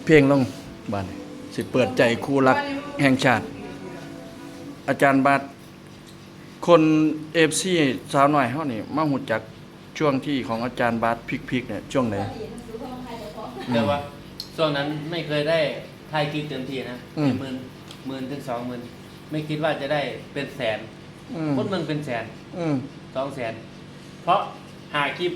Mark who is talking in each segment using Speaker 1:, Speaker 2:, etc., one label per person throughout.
Speaker 1: เพลงลงบัดนี้สิเปิดใจคู่รักแห่งชาติ อาจารย์บาสคน FC สาวน้อยเฮานี่มาฮู้จักช่วงที่ของอาจารย์บาสพีคๆเนี่ยช่วงไหน
Speaker 2: แต่ว่าช่วงนั้นไม่เคยได้ถ่ายคลิปเต็มที่นะหมื่นถึง20,000ไม่คิดว่าจะได้เป็นแสนคนเมืองเป็นแสน200,000เพราะหาคลิป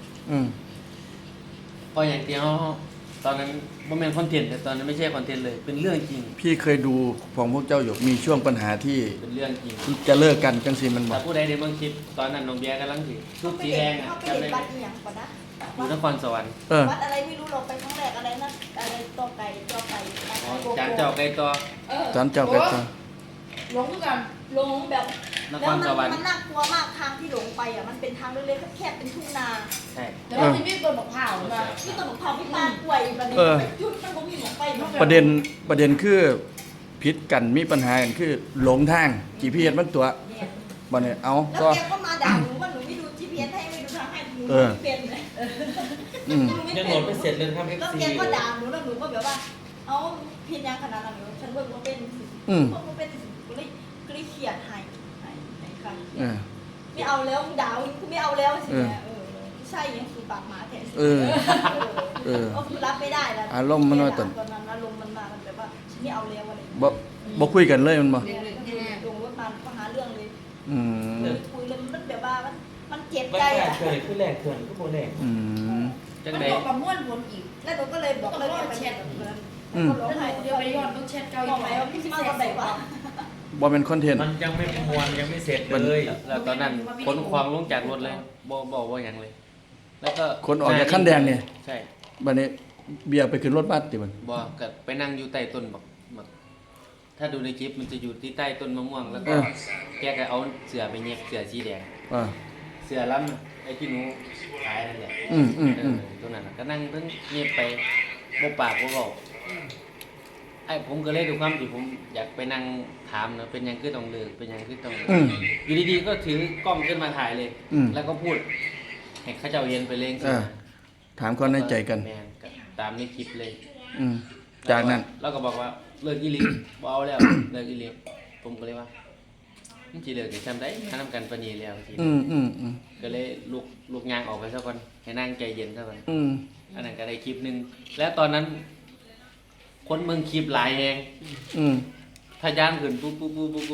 Speaker 2: พออย่างที่เขาตอนนั้นบ่แม่นคอนเทนต์แต่ตอนนั้นไม่ใช่คอนเทนต์เลยเป็นเรื่องจริง
Speaker 1: พี่เคยดูของพวกเจ้าอยู่มีช่วงปัญหาที่
Speaker 2: เป็นเรื่องจริง
Speaker 1: จะเลิกกันจังซี่มันบ่
Speaker 2: ถ้าผู้ใดได้เบิ่งคลิปตอนนั้นน้องเบียร์กำลังสิชุดสีแดงอ่ะจำได้ไหมอยู่นครสวรรค์
Speaker 3: วัดอะไรไม่รู้เราไปครั้งแรกอะไรนะอะไรตัวไก่
Speaker 2: จานเจ้าไก่ตัว
Speaker 1: จานเจ้าไก่ตัว
Speaker 3: หลงกันหลงแบบแล้วมันน่ากลัวมากทางที่หลงไปอ่ะมันเป็นทางเล็กๆแคบเป็นทุ่งนา
Speaker 2: ใช่
Speaker 3: แต่ว่ามันมีต้นมะพร้าวนะที่ต้นมะพร้าวพี่ปานกล้วยมันเป็นจุดมันก็มีหมอกไป
Speaker 1: ประเด็นคือผิดกันมีปัญหากันคือหลงทาง GPS มันตัวบ่เนี่ยเอา
Speaker 3: ก็แกก็มาด่าหนูว่าหนูไม่ดู GPS ให้ไม่ดูทางให้หนูไม่เป็นเลย
Speaker 2: ยังโหลดไม่เสร็จเลยครับ
Speaker 3: แล้วแกก็ด่าหนูแล้วหนูก็แบบว่าเอาพินยังขนาดนั้นฉันเบิ่งว่าเป็นก็เลยเขียนให้ค่ะไม่เอาแล้วด่าคือไม่เอาแล้วสิใช่ยังคือปากหมาแทนก็คือรับไม่ได้แล้ว
Speaker 1: อารมณ์มันว่าตอน
Speaker 3: นั้นอารมณ์มันมาแบบว่าฉันไม่เอาแล้วอะไร
Speaker 1: บ่คุยกันเลยมันบ่
Speaker 3: ลงรถมาก็หาเรื่องเลยคุยเลยมันแบบว่ามันเจ็บใจอ่ะ
Speaker 2: เคยคือแรกเขื่อนก็โบแรก
Speaker 3: จังได๋มันประมวลผลอีกแล้วหนูก็เลยบอกเลยไปแชทก็ร้องไห้เดี๋ยวไปย้อนต้องแชทเก่าอีกแล้วพี่มาตอนไหนวะ
Speaker 1: บ่เป็นคอนเทนต์
Speaker 2: มันยังไม่มวนยังไม่เสร็จเลยแล้วตอนนั้นขนความลงจากรถเลยบ่อย่างเลยแล้วก็
Speaker 1: คนออกจากขั้นแดงเนี่ย
Speaker 2: ใช่
Speaker 1: บัดนี้เบียร์ไปขึ้นรถบัสติมัน
Speaker 2: บ่ก็ไปนั่งอยู่ใต้ต้นบักถ้าดูในคลิปมันจะอยู่ที่ใต้ต้นมะม่วงแล้วก็แกก็เอาเสือไปเย็บเสือสีแดงเสือล้ำไอ้ที่หนูขายนั่นแหละตรงนั้นก็นั่งเพิ่งเย็บไปบ่ปากบ่เว้าไอ้ผมก็เลยดูความที่ผมอยากไปนั่งถามนะเป็นยังคือต้องเลิกเป็นยังคือต้องอยู่ดีๆก็ถือกล้องขึ้นมาถ่ายเลยแล้วก็พูดให้เขาเจ้าเย็นไปเลย
Speaker 1: ถามความในใจกัน
Speaker 2: ตามในคลิปเลย
Speaker 1: จากนั้น
Speaker 2: เราก็บอกว่าเลิกอีหลีบ่เอาแล้วเลิกอีหลีผมก็เลยว่ามันสิเลิกได้ซำได้ถ้านำกันปานนี้แล้วทีก็เลยลุกยางออกไปซะก่อนให้นั่งใจเย็นซะก่อนอันนั้นก็ได้คลิปนึงแล้วตอนนั้นคนเมืองคลิปหลายแฮงถ้าย่างขึ้นปุ๊บ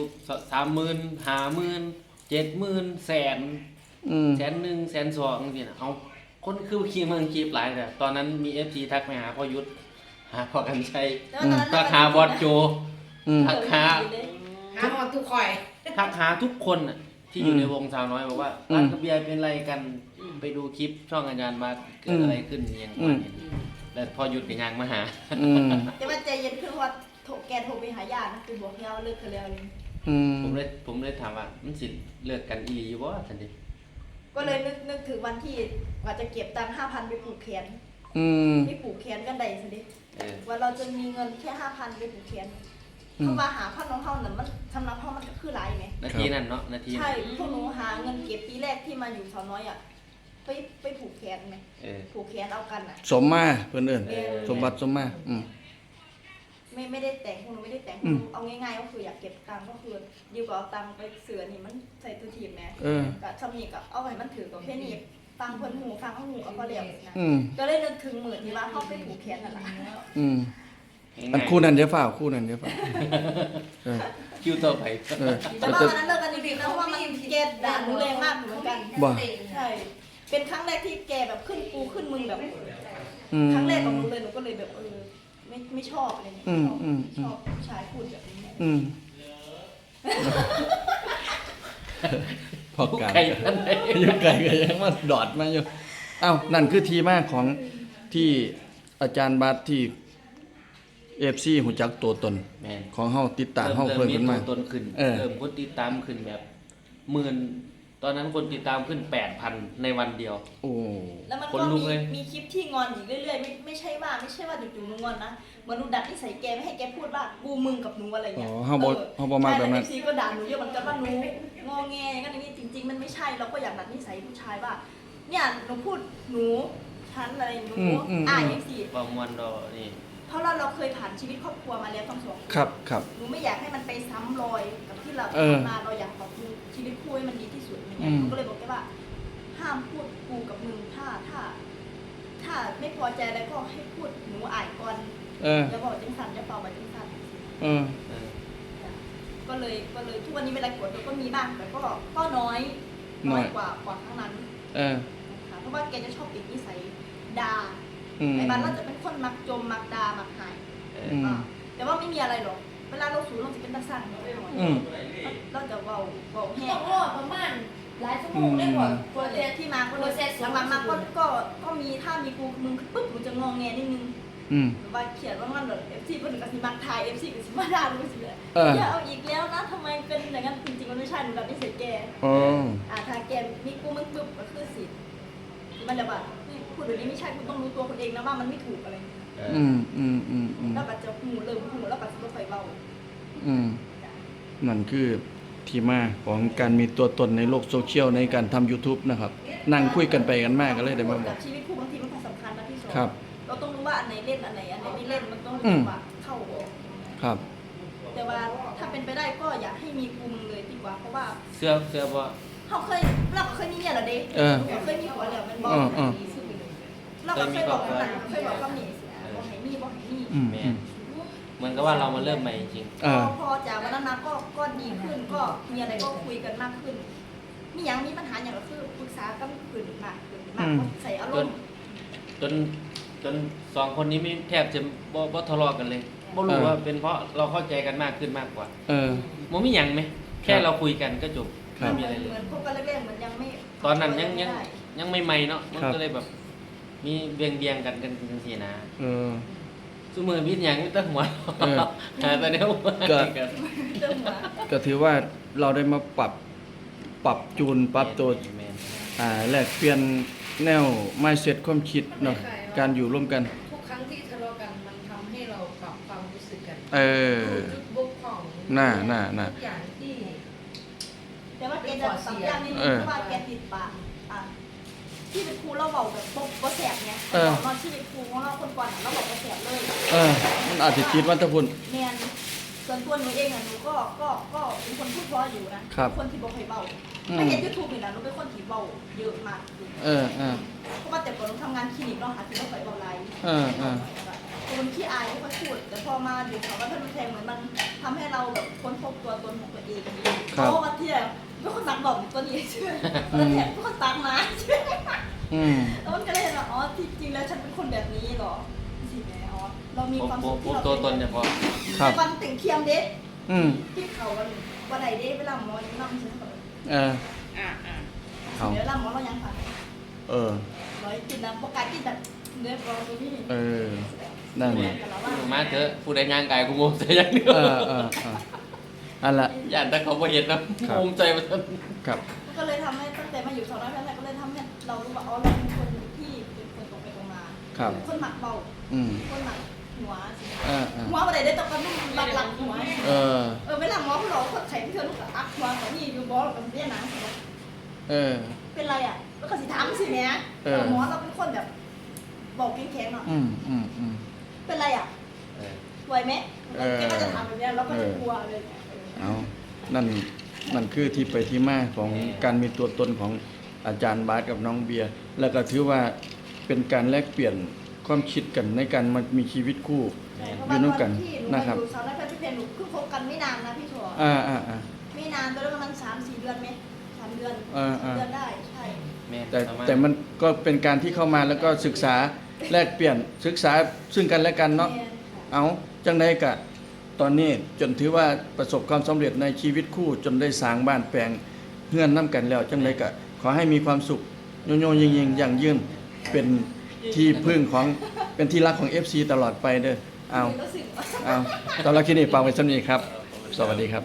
Speaker 2: 30,000 50,000 70,000 แสน100,000 102,000จังซี่น่ะเอาคนคือขี้เมืองคลิปหลายแต่ตอนนั้นมี FG ทักไปหาพ่อยุทธหาพ่อกันชัยทักหาบอสโจทักหา
Speaker 3: หมดทุกข่อย
Speaker 2: ทักหาทุกคนน่ะที่อยู่ในวงสาวน้อยบอกว่าร้านกระเบียร์เป็นไรกันไปดูคลิปช่องอาจารย์มาเกิดอะไรขึ้นอย่างนี้แล้วพอหยุดกับยางมาหา
Speaker 3: แต่ว่าใจเย็นคือว่าแกโทรไปหาญาตินะคือบอกเราเลิกกันแล้ว
Speaker 2: ผมเลยถามว่ามันสิเลิกกันอีหลีอยู่บ่ซั่นดิ
Speaker 3: ก็เลยนึกถึงวันที่ว่าจะเก็บตังค์ 5,000 ไปผูกแขนไปผูกแขนกันได้ซั่นดิว่าเราจะมีเงินแค่ 5,000 ไปผูกแขนเข้ามาหาพ่อน้องเฮาน่ะมันสำหรับเฮามันก็คือหลายมั้ย
Speaker 2: นาทีนั้นเนาะนาที
Speaker 3: ใช่พวกหนูหาเงินเก็บปีแรกที่มาอยู่สาวน้อยอ่ะไปผูกแขนมั้ยผูกแขนเอากันน่ะ
Speaker 1: สมมาเพิ่นเอิ้นสมบัติสมมา
Speaker 3: ไม่ได้แต่งพวกหนูไม่ได้แต่งเอาง่ายๆก็คืออยากเก็บตังค์ก็คือดีกว่าเอาตังค์ไปเสือนี่มันใส่ตัวทีมแม่ก็ซำนี้ก็เอาไว้มันถือกับแค่นี้ฟังเพิ่นหูฟังเอาหูเอาพอแล้วนะก็เลยนึกถึงมื้อที่ว่าเฮาไปผูกแขนนั่นล่ะ
Speaker 1: อันคู่นั้นเดี๋ยวฝ่าคู่นั้นเดี๋ยวฝ่า
Speaker 2: คิวต่อไป
Speaker 3: แต่ว่าวันนั้นเลิกกันจริงๆนะเพราะว่ามันแกด่าหนูแรงมากเหมือนกันใช่เป็นครั้งแรกที่แกแบบขึ้นกูขึ้นมึงแบบครั้งแรกของหนูเลยหนูก็เลยแบบไม่ชอบอะไรเงี้ยชอบชายพูดแบบนี้
Speaker 1: พอไก่อยู่ไก่ก็ยังมาดอดมาอยู่อ้าวนั่นคือทีมาของที่อาจารย์บาสที่FC หูจักตัวตนของเฮาติดตามเฮาเพิ่มขึ้นมา
Speaker 2: ต้นขึ้นเริ่มคนติดตามขึ้นแบบหมื่นตอนนั้นคนติดตามขึ้น 8,000 ในวันเดียว
Speaker 1: โอ้
Speaker 3: แล้วมันก็มีคลิปที่งอนอีกเรื่อยๆไม่ใช่ว่าจู่ๆหนูงอนนะเหมือนหนูดัดนิสัยแกไม่ให้แกพูดว่ากูมึงกับหนูอะไรเงี้ย
Speaker 1: เฮาบ่มาแบบนั้น
Speaker 3: FC ก็ด่าหนูเยอะเหมือนกันว่าหนูงอแงอย่างนั้นอย่างนี้จริงๆมันไม่ใช่เราก็อยากดัดนิสัยผู้ชายว่าเนี่ยหนูพูดหนูฉันอะไรหนูFC
Speaker 2: บ่ม่วนดอนี่
Speaker 3: เพราะเราเคยผ่านชีวิตครอบครัวมาแล้วทั้งสองน
Speaker 1: ครับครับ
Speaker 3: หนูไม่อยากให้มันไปซ้ำรอยกับที่เรา
Speaker 1: เออ
Speaker 3: ทำมาเราอยากปรับปรุงชีวิตคู่ให้มันดีที่สุดอย่าง
Speaker 1: อื
Speaker 3: เงี้ย
Speaker 1: ม
Speaker 3: หนูก็เลยบอกแกว่า ห้ามพูดกูกับมึงถ้าไม่พอใจอะไรก็ให้พูดหนูอ่านก่อน
Speaker 1: เออ
Speaker 3: อย่าบอกจังสันอย่าเป่าแบบจังสัน
Speaker 1: เออ
Speaker 2: เออ
Speaker 3: ก็เลยทุกวันนี้เวลากดเราก็มีบ้างแต่ก็น้อย
Speaker 1: น้อย
Speaker 3: กว่าครั้งนั้น
Speaker 1: เออ
Speaker 3: นะคะเพราะว่าแกจะชอบติดนิสัยด่า
Speaker 1: อืม
Speaker 3: ไอ้บ้านเราจะเป็นคนมักจมมักด่ามักหาย
Speaker 1: อืม
Speaker 3: แต่ว่าไม่มีอะไรหรอกเวลาเราสูงเราจะเป็นตาสั่น
Speaker 1: อืม
Speaker 3: เราจะเบาแห้
Speaker 4: ต้
Speaker 3: ง
Speaker 4: องรอประมาณหลายชั่วโมงได้ก่อน
Speaker 3: โปรเจกต์ที่มาก็เลยหลังๆมาก็มีถ้ามีกูมึงปุ๊บหนูจะงองแงนิดนึง
Speaker 1: อืม
Speaker 3: หรือว่าเขียนว่างั้นเหรอ FC เพิ่นก็สิมักทาย FC ก็สิมาด่าหนูสิเลย
Speaker 1: เออ
Speaker 3: อย่าเอาอีกแล้วนะทำไมเป็นอย่างนั้นจริงๆมันไม่ใช่หนูดับนิสัยแก
Speaker 1: โอ้
Speaker 3: ถ้าแกมีกูมึงปุ๊บก็คือสิมันจะแบบพูดแบบนี้ไม่ใช่คุณต้องรู้ตัวคนเองนะว่ามันไม่ถูกอะไร
Speaker 2: เอ
Speaker 1: อื
Speaker 2: อ
Speaker 1: มอืมอืมอืม
Speaker 3: แล้วก็จะหูเริ่มหูแล้วก็จะไฟเบา
Speaker 1: อืมนั่นคือที่มาของการมีตัวตนในโลกโซเชียลในการทำ YouTube นะครับ นั่งคุยกันไปกันมากก็เลยได้มาบอ
Speaker 3: กั
Speaker 1: ก
Speaker 3: บชีวิตคู่บางทีมันก็สำคัญนะพี่ชอ
Speaker 1: ครับ
Speaker 3: เราต้องรู้ว่าอันไหนเล่นอันไหนไม่เล่นมันต้อง
Speaker 1: อืม
Speaker 3: จังหวะเข้าออก
Speaker 1: ครับ
Speaker 3: แต่ว่าถ้าเป็นไปได้ก็อยากให้มีกูมึงเลยดีกว่าเพราะว่า
Speaker 2: เสื้อบ่
Speaker 3: เราเคยมีเนี่ยเหรอเด็ก
Speaker 1: เออ
Speaker 3: เราเคยมีหัวแล้วมันบอก เราก็เคยบอกกันหลังเคยบอกคำนี้สิบอกให้มีบอกให้มี
Speaker 1: อืม
Speaker 2: แม่
Speaker 1: อืม
Speaker 2: เหมือนกับว่าเรามาเริ่มใหม่จริง
Speaker 1: เออ
Speaker 3: พอจากวันนั้นมาก็ดีขึ้นก็มีอะไรก็คุยกันมากขึ้น มีอย่างมีปัญหาอย่างก็คือปรึกษากันขึ้นมากขึ้นมากใส่อารมณ์
Speaker 2: จนสองคนนี้ไม่แทบจะบ่ทะเลาะกันเลยบ่รู้ว่าเป็นเพราะเราเข้าใจกันมากขึ้นมากกว่า
Speaker 1: เออ
Speaker 2: บ่มีหยังไหมแค่เราคุยกันก็จบ
Speaker 1: ครับ
Speaker 2: ไม่มีอะไรเลย
Speaker 3: เหมือนพวกกันแรกๆเหมือนยังไม่
Speaker 2: ตอนนั้นยัง
Speaker 3: ไม่ได้
Speaker 2: ยังไม่ใหม่เนาะมัน
Speaker 1: ครับ
Speaker 2: ก็เลยแบบ มีเบียงกันจังซี่นะ
Speaker 1: เออ
Speaker 2: ซุมือพิษหยังไม่ต้องหัว
Speaker 1: เออ
Speaker 2: หาแต่เนี้ยหัว
Speaker 1: ก็
Speaker 2: กัน
Speaker 3: เริ่มมา
Speaker 1: ก็ถือว่าเราได้มาปรับจูนปรับตัว
Speaker 2: แม่น
Speaker 1: แลกเปลี่ยนแนว mindset ความคิดเนาะการอยู่ร่วมกัน
Speaker 4: ทุกครั้งที่ทะเลาะกันมันทำให้เราปรับความรู้สึกกัน
Speaker 1: เออ
Speaker 4: รู้จุดบกพร่อง
Speaker 1: น่า
Speaker 4: ทุกอย่างที่
Speaker 3: แต่ว่าแกจะสัมยางนิดนึงเพราะว่าแกติดปากที่เป็นครูเราบอกแบบบ่แสบไงบอกนอนที่เป็นครูของเราคนก่อนเราบอกบ่แสบเลย
Speaker 1: เออ มันอาจจะคิดว่าถ้าพุ่น
Speaker 3: แมนส่วนตัวหนูเองหนูก็เป็นคนพูดเพราะอยู่นะครับ คนที่บอกให้เบา
Speaker 1: อืม
Speaker 3: ไม่เห็นยูทูบนี่นะหนูเป็นคนที่เบาเยอะมาก
Speaker 1: เออ
Speaker 3: เพราะว่าแต่ก่อนหนูทำงานคลินิกเนาะค่ะที่เราไปเบาไลฟ์
Speaker 1: เออ
Speaker 3: คนขี้อายไม่ค่อยพูด แต่พอมาอยู่เขาว่าท่านแทงเหมือนมันทำให้เราแบบค้นพบตัวตนของตัวเองเพราะว่าที่แบบเป็นคนตักบอกตัวนี้ใช่ไหมแล้วแถมเป็นคนตักมาใช่ไหม
Speaker 1: อืม
Speaker 3: แล้วมันก็เลยเห็นว่าอ๋อที่จริงแล้วฉันเป็นคนแบบนี้เหรอสิแม่อ๋อเรามีความสุข
Speaker 2: พ
Speaker 3: ที่
Speaker 2: บ
Speaker 3: เรา
Speaker 2: ตัวตนเฉพาะ
Speaker 1: ครับ
Speaker 3: แต่วันแต่งเทียมเด็ก
Speaker 1: อืม
Speaker 3: ที่เขาวันไหนเด็กเวลาหมอยังนั่งใช่ไหม
Speaker 1: เออเอา
Speaker 3: เดี๋ยวเวลาหมอเรายังผ่าน
Speaker 1: เออ
Speaker 3: ร้อยกินนะประกาศกินแบบเนื้อปลาตัวนี้
Speaker 1: เออ นั่นแหละ
Speaker 3: แต่เราว่า
Speaker 2: มาเถอะผู้ใดย่างกายกูงงใจอย่างเดียว
Speaker 1: เอออันละ
Speaker 2: ย่านแต่เขาบ่เห็นนะ
Speaker 1: ครับ
Speaker 2: งงใจมัน
Speaker 1: ครับ
Speaker 3: ก็เลยทำให้ตั้งแต่มาอยู่สองร้อยแรกก็เลยทำให้เรารู้ว่าอ๋อเราเป็นคนที่เป็นคนตรงไปตรงมา
Speaker 1: ครับ
Speaker 3: คนหมักเบา
Speaker 1: อืม
Speaker 3: คนหมักหัวสิ
Speaker 1: เออ
Speaker 3: หัวอะไรได้ตกกันนุ่มหลักหัว
Speaker 1: เออ
Speaker 3: เวลาหมอเขาหลอกคนไข้พี่เธอลูกอักหัวกับนี่อยู่บอสกับเบี้ยหนัง
Speaker 1: เออ
Speaker 3: เป็นไรอ่ะแล้วก็สิถามสิแม่หมอเราเป็นคนแบบบอกแข็งๆหน่อย
Speaker 1: อืม
Speaker 3: เป็นไรอ่ะ
Speaker 2: เออ
Speaker 3: ไหวไหมแกก็จะถามแบบนี้เราก็จะกลัวเลย
Speaker 1: เอานั่นคือที่ไปที่มาของการมีตัวตนของอาจารย์บาสกับน้องเบียร์ แล้วก็ถือว่าเป็นการแลกเปลี่ยนความคิดกันในการมามีชีวิตคู่ อยู่ร่วมกันนะครับ
Speaker 3: สาวนักเพชรเพนหนูเพิ่งคบกันไม่นานนะพี่ถั่ว
Speaker 1: อ่า
Speaker 3: ไม่นานตอนนั้นประมาณ3-4 เดือนไหม3 เดือน
Speaker 1: อ่า
Speaker 3: เดือนได้ใช่
Speaker 2: แม่น
Speaker 1: แต่
Speaker 2: ประาณ
Speaker 1: แต่มันก็เป็นการที่เข้ามาแล้วก็ศึกษาแลกเปลี่ยนศึกษาซึ่งกันและกันเนาะ
Speaker 3: แม่
Speaker 1: เอาจังไดกะตอนนี้จนถือว่าประสบความสำเร็จในชีวิตคู่จนได้สร้างบ้านแปลงเฮือนน้ำกันแล้วจังไดกะขอให้มีความสุขโยโยยิงๆอย่างยืนเป็นที่พึ่งของเป็นที่รักของ FC ตลอดไปเด้อเอา
Speaker 3: รู้สึก
Speaker 1: เอาตอนรับคลิปนี้ฟังไว้สำนี้ครับ สวัสดีครับ